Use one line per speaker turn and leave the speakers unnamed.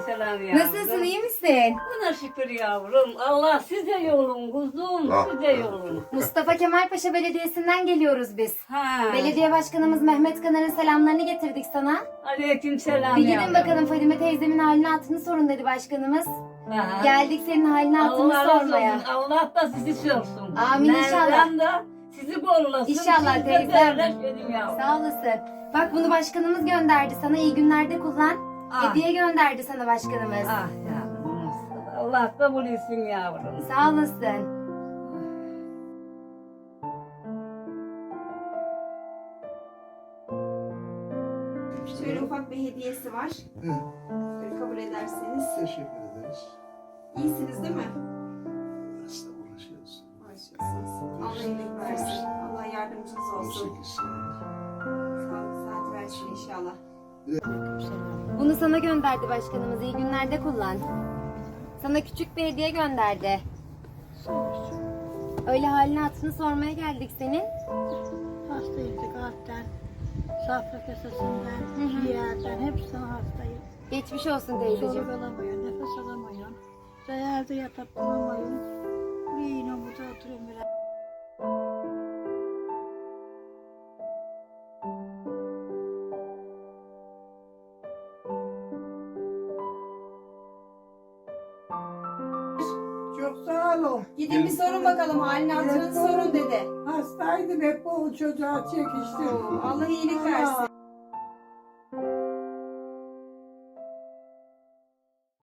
aleykümselam yavrum.
Nasılsın, iyi misin?
Buna şükür yavrum. Allah size yolun kuzum, size yolun.
Mustafa Kemal Paşa Belediyesi'nden geliyoruz biz.
Ha.
Belediye Başkanımız Mehmet Kanar'ın selamlarını getirdik sana.
Aleykümselam
Bir gidin
yavrum.
bakalım, Fadime teyzemin halini hatırını sorun dedi başkanımız.
Ha.
Geldik senin halini hatırını
Allah razı
sormaya.
olsun. Allah da sizi sorsun.
Amin inşallah.
Mevlam da sizi kollasın.
İnşallah
Siz de
teyzem.
derleşelim yavrum.
Sağ olasın. Bak bunu başkanımız gönderdi sana, iyi günlerde kullan.
Ah.
Hediye gönderdi sana başkanımız.
Ah yavrum. Mustafa. Allah kabul etsin yavrum.
Sağ olasın.
Şöyle ufak bir hediyesi var. Böyle kabul ederseniz.
Teşekkür ederiz.
İyisiniz değil mi?
Hasta uğraşıyoruz.
Uğraşıyorsunuz. Allah iyilik versin. Allah yardımcınız olsun.
18 sene.
Sağlık saat versin inşallah.
Bunu sana gönderdi başkanımız, iyi günlerde kullan. Sana küçük bir hediye gönderdi. Öyle halini hatırını sormaya geldik senin.
Hastayım, kalpten, safra kesesinden, ciğerden, hepsinden hastayım.
Geçmiş olsun teyzeciğim.
Soluk alamıyorum, nefes alamıyorum. Yerde yatıp duramıyorum. Bir yine burada oturuyorum biraz.
Çok sağ olun.
Gidin bir sorun bakalım halini hatırını sorun dedi.
Hastaydım hep o çocuğa çekiştim.
Allah iyilik versin.